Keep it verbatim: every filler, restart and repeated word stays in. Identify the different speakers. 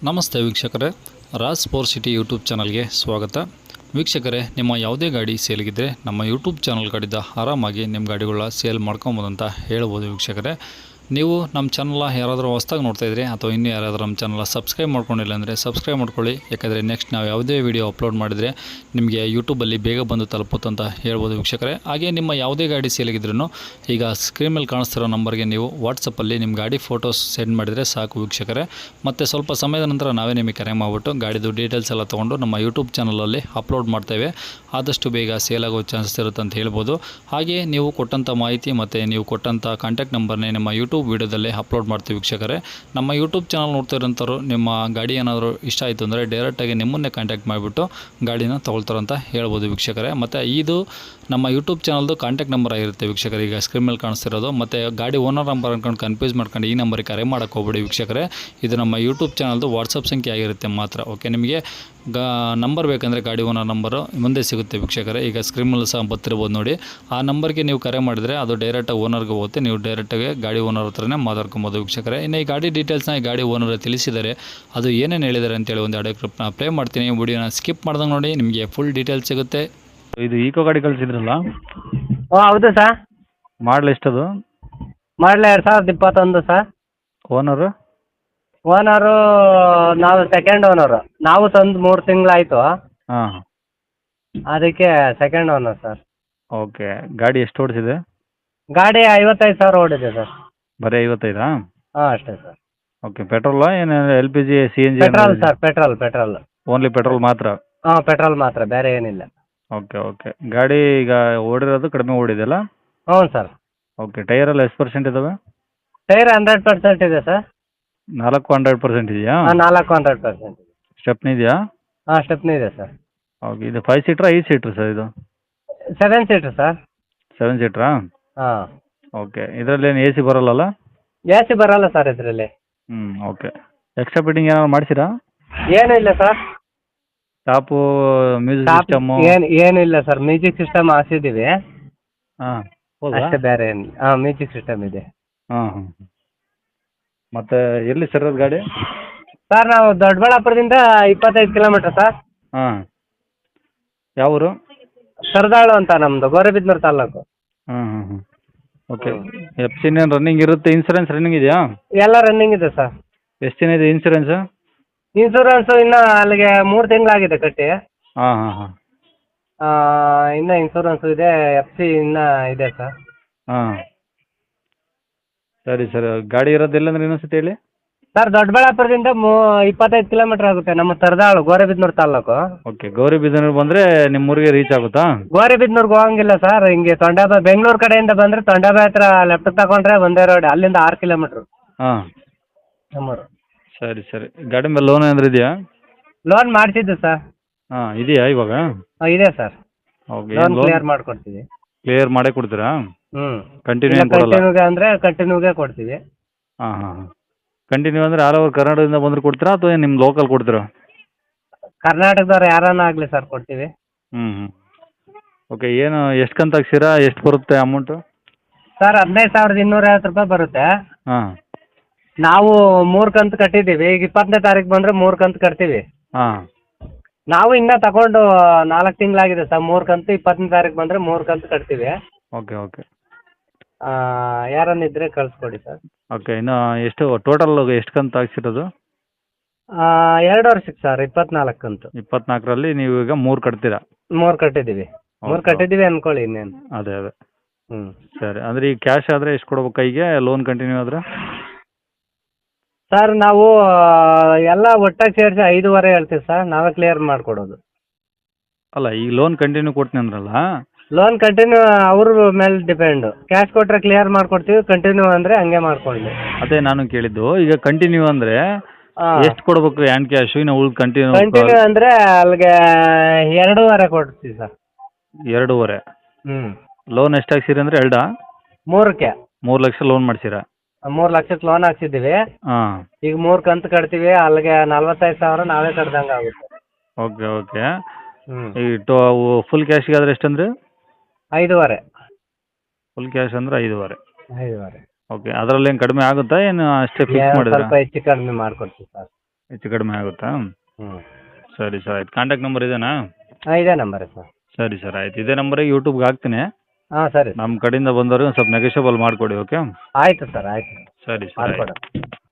Speaker 1: ನಮಸ್ತೆ ವೀಕ್ಷಕರೇ, Raj sport city YouTube ಚಾನಲ್ಗೆ ಸ್ವಾಗತ. ವೀಕ್ಷಕರೇ, ನಿಮ್ಮ ಯಾವುದೇ ಗಾಡಿ ಸೇಲ್ಗಿದ್ರೆ ನಮ್ಮ ಯೂಟ್ಯೂಬ್ ಚಾನಲ್ ಕಡೆಯಿಂದ ಆರಾಮಾಗಿ ನಿಮ್ಮ ಗಾಡಿಗಳ ಸೇಲ್ ಮಾಡ್ಕೊಬೋದು ಅಂತ ಹೇಳ್ಬೋದು. ವೀಕ್ಷಕರೇ, ನೀವು ನಮ್ಮ ಚಾನಲ್ ಯಾರಾದರೂ ಹೊಸ್ದಾಗಿ ನೋಡ್ತಾ ಇದ್ರಿ ಅಥವಾ ಇನ್ನೂ ಯಾರಾದರೂ ನಮ್ಮ ಚಾನಲ್ ಸಬ್ಸ್ಕ್ರೈಬ್ ಮಾಡ್ಕೊಂಡಿಲ್ಲ ಅಂದರೆ ಸಬ್ಸ್ಕ್ರೈಬ್ ಮಾಡ್ಕೊಳ್ಳಿ. ಯಾಕಂದರೆ ನೆಕ್ಸ್ಟ್ ನಾವು ಯಾವುದೇ ವಿಡಿಯೋ ಅಪ್ಲೋಡ್ ಮಾಡಿದರೆ ನಿಮಗೆ ಯೂಟ್ಯೂಬಲ್ಲಿ ಬೇಗ ಬಂದು ತಲುಪುತ್ತೆ ಅಂತ ಹೇಳ್ಬೋದು. ವೀಕ್ಷಕರೇ, ಹಾಗೆ ನಿಮ್ಮ ಯಾವುದೇ ಗಾಡಿ ಸೇಲಿಗಿದ್ರೂ ಈಗ ಸ್ಕ್ರೀನ್ ಮೇಲೆ ಕಾಣಿಸ್ತಿರೋ ನಂಬರ್ಗೆ ನೀವು ವಾಟ್ಸಪ್ಪಲ್ಲಿ ನಿಮ್ಮ ಗಾಡಿ ಫೋಟೋಸ್ ಸೆಂಡ್ ಮಾಡಿದರೆ ಸಾಕು ವೀಕ್ಷಕರೇ. ಮತ್ತು ಸ್ವಲ್ಪ ಸಮಯದ ನಂತರ ನಾವೇ ನಿಮಗೆ ಕರೆ ಮಾಡಿಬಿಟ್ಟು ಗಾಡಿದು ಡೀಟೇಲ್ಸ್ ಎಲ್ಲ ತೊಗೊಂಡು ನಮ್ಮ ಯೂಟ್ಯೂಬ್ ಚಾನಲಲ್ಲಿ ಅಪ್ಲೋಡ್ ಮಾಡ್ತೇವೆ. ಆದಷ್ಟು ಬೇಗ ಸೇಲ್ ಆಗೋ ಚಾನ್ಸಸ್ ಇರುತ್ತೆ ಅಂತ ಹೇಳ್ಬೋದು. ಹಾಗೆ ನೀವು ಕೊಟ್ಟಂಥ ಮಾಹಿತಿ ಮತ್ತು ನೀವು ಕೊಟ್ಟಂಥ ಕಾಂಟ್ಯಾಕ್ಟ್ ನಂಬರ್ನೇ ನಮ್ಮ ಯೂಟ್ಯೂಬ್ ವಿಡಿಯೋದಲ್ಲಿ ಅಪ್ಲೋಡ್ ಮಾಡ್ತೀವಿ. ವೀಕ್ಷಕರೇ, ನಮ್ಮ ಯೂಟ್ಯೂಬ್ ಚಾನಲ್ ನೋಡ್ತಾ ಇರೋಂಥವ್ರು ನಿಮ್ಮ ಗಾಡಿ ಏನಾದರೂ ಇಷ್ಟ ಆಯಿತು ಅಂದರೆ ಡೈರೆಕ್ಟಾಗಿ ನಿಮ್ಮನ್ನೇ ಕಾಂಟ್ಯಾಕ್ಟ್ ಮಾಡಿಬಿಟ್ಟು ಗಾಡಿನ ತೊಗೊಳ್ತಾರಂತ ಹೇಳ್ಬೋದು ವೀಕ್ಷಕರೇ. ಮತ್ತು ಇದು ನಮ್ಮ ಯೂಟ್ಯೂಬ್ ಚಾನಲ್ದು ಕಾಂಟ್ಯಾಕ್ಟ್ ನಂಬರ್ ಆಗಿರುತ್ತೆ ವೀಕ್ಷಕರೇ, ಈಗ ಸ್ಕ್ರೀನ್ ಮೇಲೆ ಕಾಣಿಸ್ತಿರೋದು. ಮತ್ತು ಗಾಡಿ ಓನರ್ ನಂಬರ್ ಅಂದ್ಕೊಂಡು ಕನ್ಫ್ಯೂಸ್ ಮಾಡ್ಕೊಂಡು ಈ ನಂಬರಿಗೆ ಕರೆ ಮಾಡೋಕ್ಕೆ ಹೋಗ್ಬೇಡಿ ವೀಕ್ಷಕರೇ. ಇದು ನಮ್ಮ ಯೂಟ್ಯೂಬ್ ಚಾನಲ್ದು ವಾಟ್ಸಪ್ ಸಂಖ್ಯೆ ಆಗಿರುತ್ತೆ ಮಾತ್ರ. ಓಕೆ, ನಿಮಗೆ ಗಾ ನಂಬರ್ ಬೇಕಂದರೆ ಗಾಡಿ ಓನರ್ ನಂಬರು ಮುಂದೆ ಸಿಗುತ್ತೆ ವೀಕ್ಷಕರೇ. ಈಗ ಸ್ಕ್ರೀನ್ ಮೇಲೆ ಸಹ ಬರ್ತಿರ್ಬೋದು ನೋಡಿ. ಆ ನಂಬರ್ಗೆ ನೀವು ಕರೆ ಮಾಡಿದರೆ ಅದು ಡೈರೆಕ್ಟಾಗಿ ಓನರ್ಗೆ ಹೋಗುತ್ತೆ. ನೀವು ಡೈರೆಕ್ಟಾಗಿ ಗಾಡಿ ಓನರ್ ಹತ್ರನೇ ಮಾತಾಡ್ಕೊಬೋದು ವೀಕ್ಷಕರೇ. ಇನ್ನು ಈ ಗಾಡಿ ಡೀಟೇಲ್ಸ್ನ ಈ ಗಾಡಿ ಓನರ್ ತಿಳಿಸಿದ್ದಾರೆ, ಅದು ಏನೇನು ಹೇಳಿದ್ದಾರೆ ಅಂತೇಳಿ ಒಂದು ಆಡಿಯೋ ಕ್ಲಿಪ್ನ ಪ್ಲೇ ಮಾಡ್ತೀನಿ. ವಿಡಿಯೋನ ಸ್ಕಿಪ್ ಮಾಡ್ದಂಗೆ ನೋಡಿ, ನಿಮಗೆ ಫುಲ್ ಡೀಟೇಲ್ಸ್ ಸಿಗುತ್ತೆ.
Speaker 2: ಇದು ಈಕೋ ಗಾಡಿ ಕಳಿಸಿದ್ರಲ್ಲ,
Speaker 3: ಓ ಹೌದು ಸರ್.
Speaker 2: ಮಾಡಲ್ ಎಷ್ಟದು?
Speaker 3: ಮಾಡಲ ಎರಡು ಸಾವಿರದ ಇಪ್ಪತ್ತೊಂದು ಸರ್.
Speaker 2: ಓನರು?
Speaker 3: ಓನರು ನಾವು ಸೆಕೆಂಡ್ ಓನರು. ನಾವು ತಂದು ಮೂರು ತಿಂಗಳಾಯಿತು,
Speaker 2: ಹಾಂ,
Speaker 3: ಅದಕ್ಕೆ ಸೆಕೆಂಡ್ ಓನರ್ ಸರ್.
Speaker 2: ಓಕೆ. ಗಾಡಿ ಎಷ್ಟು ಓಡಿಸಿದೆ?
Speaker 3: ಗಾಡಿ ಐವತ್ತೈದು ಸಾವಿರ ಓಡಿದೆ ಸರ್.
Speaker 2: ಬರೀ ಐವತ್ತೈದಾ?
Speaker 3: ಹಾಂ ಅಷ್ಟೇ ಸರ್.
Speaker 2: ಓಕೆ. ಪೆಟ್ರೋಲಾ ಏನು L P G, C N G?
Speaker 3: Petrol sir, petrol petrol
Speaker 2: only petrol ಮಾತ್ರ?
Speaker 3: ಹಾಂ ಪೆಟ್ರೋಲ್ ಮಾತ್ರ, ಬೇರೆ ಏನಿಲ್ಲ.
Speaker 2: Okay okay. ಗಾಡಿ ಈಗ ಓಡಿರೋದು ಕಡಿಮೆ ಓಡಿದೆಯಲ್ಲ?
Speaker 3: ಹ್ಞೂ ಸರ್.
Speaker 2: ಓಕೆ. ಟೈರೆಲ್ಲ ಎಷ್ಟು ಪರ್ಸೆಂಟ್ ಇದ್ದಾವೆ?
Speaker 3: ಟೈರ್ ಹಂಡ್ರೆಡ್ ಪರ್ಸೆಂಟ್ ಇದೆ ಸರ್.
Speaker 2: ನಾಲ್ಕು ಹಂಡ್ರೆಡ್ ಪರ್ಸೆಂಟ್ ಇದೆಯಾ?
Speaker 3: ಹಾಂ ನಾಲ್ಕು ಹಂಡ್ರೆಡ್ ಪರ್ಸೆಂಟ್ ಇದೆ.
Speaker 2: ಸ್ಟೆಪ್ನಿ ಇದೆಯಾ?
Speaker 3: ಹಾಂ ಸ್ಟೆಪ್ನಿ ಇದೆ ಸರ್.
Speaker 2: ಓಕೆ. ಇದು ಫೈವ್ ಸೀಟ್ರಾ ಐದು ಸೀಟ್ರ್ ಸರ್ ಇದು?
Speaker 3: Seven seater sir.
Speaker 2: ಸೆವೆನ್ ಸೀಟ್ರಾ?
Speaker 3: ಹಾಂ.
Speaker 2: ಓಕೆ. ಇದರಲ್ಲಿ ಏನು ಎ ಸಿ ಬರೋಲ್ಲಲ್ಲ?
Speaker 3: ಎ ಸಿ ಬರೋಲ್ಲ ಸರ್ ಇದರಲ್ಲಿ.
Speaker 2: ಹ್ಞೂ ಓಕೆ. ಎಕ್ಸ್ಟ್ರಾ ಫಿಟ್ಟಿಂಗ್ ಏನಾದ್ರು ಮಾಡಿಸಿರಾ?
Speaker 3: ಏನೂ ಇಲ್ಲ sir.
Speaker 2: Top, music
Speaker 3: top
Speaker 2: system?
Speaker 3: ಏನು ಏನಿಲ್ಲ ಸರ್. ಮ್ಯೂಸಿಕ್ ಸಿಸ್ಟಮ್ ಹಾಕ್ಸಿದ್ದೀವಿ
Speaker 2: ಹಾಂ, ಹೌದಾ?
Speaker 3: ಅಷ್ಟೇ, ಬೇರೆ ಏನಿಲ್ಲ. ಹಾಂ ಮ್ಯೂಸಿಕ್ ಸಿಸ್ಟಮ್ ಇದೆ.
Speaker 2: ಹಾಂ ಹಾಂ. ಮತ್ತು ಎಲ್ಲಿ ಸರ್ ಅದು ಗಾಡಿ?
Speaker 3: ಸರ್ ನಾವು ದೊಡ್ಡಬಳ್ಳಾಪುರದಿಂದ ಇಪ್ಪತ್ತೈದು ಕಿಲೋಮೀಟ್ರ್ ಸರ್.
Speaker 2: ಹಾಂ. ಯಾವ ಊರು?
Speaker 3: ಸರದಾಳು ಅಂತ ನಮ್ಮದು, ಗೌರಿಬಿದನೂರು ತಾಲ್ಲೂಕು.
Speaker 2: ಹಾಂ ಹಾಂ ಹಾಂ. ಓಕೆ. ಎಫ್ ಸಿ ಏನು ರನ್ನಿಂಗ್ ಇರುತ್ತೆ? ಇನ್ಸೂರೆನ್ಸ್ ರನ್ನಿಂಗ್ ಇದೆಯಾ?
Speaker 3: ಎಲ್ಲ ರನ್ನಿಂಗ್ ಇದೆ ಸರ್.
Speaker 2: ಎಷ್ಟು ದಿನ ಇದೆ ಇನ್ಸೂರೆನ್ಸು?
Speaker 3: ಇನ್ಸೂರೆನ್ಸು ಇನ್ನೂ ಅಲ್ಲಿಗೆ ಮೂರು ತಿಂಗಳಾಗಿದೆ ಕಟ್ಟಿ.
Speaker 2: ಹಾಂ ಹಾಂ ಹಾಂ.
Speaker 3: ಇನ್ನೂ ಇನ್ಸೂರೆನ್ಸು ಇದೆ, ಎಫ್ ಸಿ ಇನ್ನೂ ಇದೆ ಸರ್.
Speaker 2: ಹಾಂ, ಸರಿ ಸರ್. ಗಾಡಿ ಇರೋದು ಎಲ್ಲಂದ್ರೆ ಇನ್ನೊಂದ್ಸತಿ ಹೇಳಿ.
Speaker 3: ಸರ್ ದೊಡ್ಡಬಳ್ಳಾಪುರದಿಂದ ಮೂ ಇಪ್ಪತ್ತೈದು ಕಿಲೋಮೀಟ್ರ್ ಆಗುತ್ತೆ, ನಮ್ಮ ಸರದಾಳು ಗೌರಿಬಿದನೂರು ತಾಲ್ಲೂಕು.
Speaker 2: ಓಕೆ. ಗೌರಿಬಿದನೂರು ಬಂದರೆ ನಿಮ್ಮ ಊರಿಗೆ ರೀಚ್ ಆಗುತ್ತಾ?
Speaker 3: ಗೌರಿಬಿದನೂರ್ಗೆ ಹೋಗಂಗಿಲ್ಲ ಸರ್, ಹಿಂಗೆ ತೊಂಡಾಬಾಯಿ ಬೆಂಗಳೂರು ಕಡೆಯಿಂದ ಬಂದರೆ ತೊಂಡಾಬಾಯಿ ಹತ್ರ ಲೆಫ್ಟ್ ತಗೊಂಡ್ರೆ ಒಂದೇ ರೋಡ್, ಅಲ್ಲಿಂದ ಆರು ಕಿಲೋಮೀಟ್ರು
Speaker 2: ಹಾಂ.
Speaker 3: ನಮ್ಮೂರು.
Speaker 2: ಸರಿ ಸರಿ. ಗಾಡಿ ಮೇಲೆ ಲೋನ್ ಏನಾದ್ರು ಇದೆಯಾ?
Speaker 3: ಲೋನ್ ಮಾಡಿಸಿದ್ದು ಸರ್.
Speaker 2: ಹಾಂ, ಇದೆಯಾ ಇವಾಗ?
Speaker 3: ಹಾಂ ಇದೆ sir.
Speaker 2: Okay.
Speaker 3: Loan
Speaker 2: loan
Speaker 3: clear ಮಾಡಿಕೊಡ್ತೀವಿ.
Speaker 2: ಕ್ಲಿಯರ್ ಮಾಡೇ ಕೊಡ್ತೀರಾ?
Speaker 3: ಹ್ಞೂ.
Speaker 2: ಕಂಟಿನ್ಯೂ ಏನು ಕೊಡಲ್ಲ?
Speaker 3: ಕಂಟಿನ್ಯೂಗೆ ಅಂದರೆ ಕಂಟಿನ್ಯೂಗೆ ಕೊಡ್ತೀವಿ.
Speaker 2: ಹಾಂ ಹಾಂ ಹಾಂ. ಕಂಟಿನ್ಯೂ ಅಂದರೆ ಆಲ್ ಓವರ್ ಕರ್ನಾಟಕದಿಂದ ಬಂದರೆ ಕೊಡ್ತೀರಾ ಅಥವಾ ನಿಮ್ಮ ಲೋಕಲ್ ಕೊಡ್ತೀರಾ?
Speaker 3: ಕರ್ನಾಟಕದವ್ರು ಯಾರನ್ನ ಆಗಲಿ ಸರ್, ಕೊಡ್ತೀವಿ.
Speaker 2: ಹ್ಞೂ ಹ್ಞೂ. ಓಕೆ. ಏನು ಎಷ್ಟು ಕಂತು ಹಾಕ್ಸಿರಾ? ಎಷ್ಟು ಬರುತ್ತೆ ಅಮೌಂಟು?
Speaker 3: ಸರ್ ಹದಿನೈದು ಸಾವಿರದ ಇನ್ನೂರ ಐವತ್ತು ರೂಪಾಯಿ ಬರುತ್ತೆ.
Speaker 2: ಹಾಂ.
Speaker 3: ನಾವು ಮೂರು ಕಂತು ಕಟ್ಟಿದ್ದೀವಿ. ಈಗ ಇಪ್ಪತ್ತನೇ ತಾರೀಕು ಬಂದರೆ ಮೂರು ಕಂತು ಕಟ್ತೀವಿ.
Speaker 2: ಹಾಂ.
Speaker 3: ನಾವು ಇನ್ನೂ ತಗೊಂಡು ನಾಲ್ಕು ತಿಂಗಳಾಗಿದೆ ಸರ್. ಮೂರು ಕಂತು ಇಪ್ಪತ್ತನೇ ತಾರೀಕು ಬಂದರೆ ಮೂರು ಕಂತು ಕಟ್ತೀವಿ.
Speaker 2: Okay okay.
Speaker 3: ಯಾರನ್ನಿದ್ರೆ ಕಳಿಸ್ಕೊಡಿ ಸರ್.
Speaker 2: ಓಕೆ. ಇನ್ನು ಎಷ್ಟು ಟೋಟಲ್ ಎಷ್ಟು ಕಂತು ಹಾಕ್ಸಿರೋದು?
Speaker 3: ಎರಡು ವರ್ಷಕ್ಕೆ ಸರ್, ಇಪ್ಪತ್ನಾಲ್ಕು ಕಂತು.
Speaker 2: ಇಪ್ಪತ್ನಾಲ್ಕರಲ್ಲಿ ನೀವು ಈಗ ಮೂರು ಕಟ್ತೀರಾ?
Speaker 3: ಮೂರು ಕಟ್ಟಿದ್ದೀವಿ. ಮೂರು ಕಟ್ಟಿದ್ದೀವಿ ಅಂದ್ಕೊಳ್ಳಿ ಇನ್ನೇನು.
Speaker 2: ಅದೇ ಅದೇ.
Speaker 3: ಹ್ಞೂ.
Speaker 2: ಸರಿ. ಅಂದರೆ ಈಗ ಕ್ಯಾಶ್ ಆದರೆ ಎಷ್ಟು ಕೊಡ್ಬೇಕು ಕೈಗೆ? ಲೋನ್ ಕಂಟಿನ್ಯೂ ಆದರೆ?
Speaker 3: ಸರ್ ನಾವು ಎಲ್ಲ ಒಟ್ಟಾಗಿ ಸೇರಿಸಿ ಐದೂವರೆ ಹೇಳ್ತೀವಿ ಸರ್, ನಾವೇ ಕ್ಲಿಯರ್ ಮಾಡಿಕೊಡೋದು.
Speaker 2: ಅಲ್ಲ, ಈಗ ಲೋನ್ ಕಂಟಿನ್ಯೂ ಕೊಡ್ತೀನಿ ಅಂದ್ರಲ್ಲ?
Speaker 3: ಲೋನ್ ಕಂಟಿನ್ಯೂ ಅವ್ರ ಮೇಲೆ ಡಿಪೆಂಡು. ಕ್ಯಾಶ್ ಕೊಟ್ಟರೆ ಕ್ಲಿಯರ್ ಮಾಡಿಕೊಡ್ತೀವಿ, ಕಂಟಿನ್ಯೂ ಅಂದರೆ ಹಂಗೆ ಮಾಡ್ಕೊಳ್ಳಿ.
Speaker 2: ಅದೇ ನಾನು ಕೇಳಿದ್ದು. ಈಗ ಕಂಟಿನ್ಯೂ ಅಂದರೆ
Speaker 3: ಹಾಂ.
Speaker 2: ಎಷ್ಟು ಕೊಡ್ಬೇಕು ಹ್ಯಾಂಡ್ ಕ್ಯಾಶು? ಇನ್ನು ಉಳ್ದು ಕಂಟಿನ್ಯೂ
Speaker 3: ಕಂಟಿನ್ಯೂ ಅಂದರೆ ಅಲ್ಲಿಗೆ ಎರಡೂವರೆ ಕೊಡ್ತೀವಿ ಸರ್.
Speaker 2: ಎರಡೂವರೆ?
Speaker 3: ಹ್ಞೂ.
Speaker 2: ಲೋನ್ ಎಷ್ಟು ಹಾಕ್ಸಿರಿ ಅಂದರೆ ಎರಡಾ?
Speaker 3: ಮೂರಕ್ಕೆ.
Speaker 2: ಮೂರು ಲಕ್ಷ ಲೋನ್ ಮಾಡ್ಸಿರಾ?
Speaker 3: ಮೂರು ಲಕ್ಷಕ್ಕೆ ಲೋನ್ ಹಾಕ್ಸಿದ್ದೀವಿ.
Speaker 2: ಹಾಂ.
Speaker 3: ಈಗ ಮೂರು ಕಂತು ಕಟ್ತೀವಿ, ಅಲ್ಲಿಗೆ ನಲ್ವತ್ತೈದು ಸಾವಿರ ನಾವೇ ಕಟ್ದಂಗೆ ಆಗುತ್ತೆ.
Speaker 2: Okay okay.
Speaker 3: ಹ್ಞೂ.
Speaker 2: ಈ ಟೋ ಫುಲ್ ಕ್ಯಾಶಿಗೆ ಆದರೆ ಎಷ್ಟಂದ್ರೆ?
Speaker 3: ಐದೂವರೆ.
Speaker 2: ಫುಲ್ ಕ್ಯಾಶ್ ಅಂದರೆ ಐದೂವರೆ?
Speaker 3: ಐದೂವರೆ.
Speaker 2: ಓಕೆ. ಅದರಲ್ಲಿ ಏನು ಕಡಿಮೆ ಆಗುತ್ತಾ ಏನು ಅಷ್ಟೇ ಫಿಕ್ಸ್ ಮಾಡಿದ್ರಾ?
Speaker 3: ಸ್ವಲ್ಪ ಹೆಚ್ಚು ಕಡಿಮೆ ಮಾಡಿಕೊಡ್ತೀವಿ ಸರ್.
Speaker 2: ಹೆಚ್ಚು ಕಡಿಮೆ ಆಗುತ್ತಾ?
Speaker 3: ಹ್ಞೂ
Speaker 2: ಸರಿ ಸರ್ ಆಯ್ತು. ಕಾಂಟ್ಯಾಕ್ಟ್ ನಂಬರ್ ಇದೇನಾ?
Speaker 3: ಹಾಂ ಇದೇ ನಂಬರ್ ಸರ್.
Speaker 2: ಸರಿ ಸರ್ ಆಯ್ತು. ಇದೇ ನಂಬರಿಗೆ ಯೂಟ್ಯೂಬ್ಗೆ ಹಾಕ್ತೀನಿ.
Speaker 3: ಹಾಂ ಸರಿ ಸರ್.
Speaker 2: ನಮ್ಮ ಕಡೆಯಿಂದ ಬಂದವ್ರಿಗೆ ಒಂದು ಸ್ವಲ್ಪ ನೆಗೋಷಿಯಬಲ್ ಮಾಡಿಕೊಡಿ. ಓಕೆ.
Speaker 3: ಆಯಿತು ಸರ್ ಆಯಿತು
Speaker 2: ಸರಿ ಸರ್ ಆಯ್ತು.
Speaker 3: ಮಾಡ್ಕೊಡ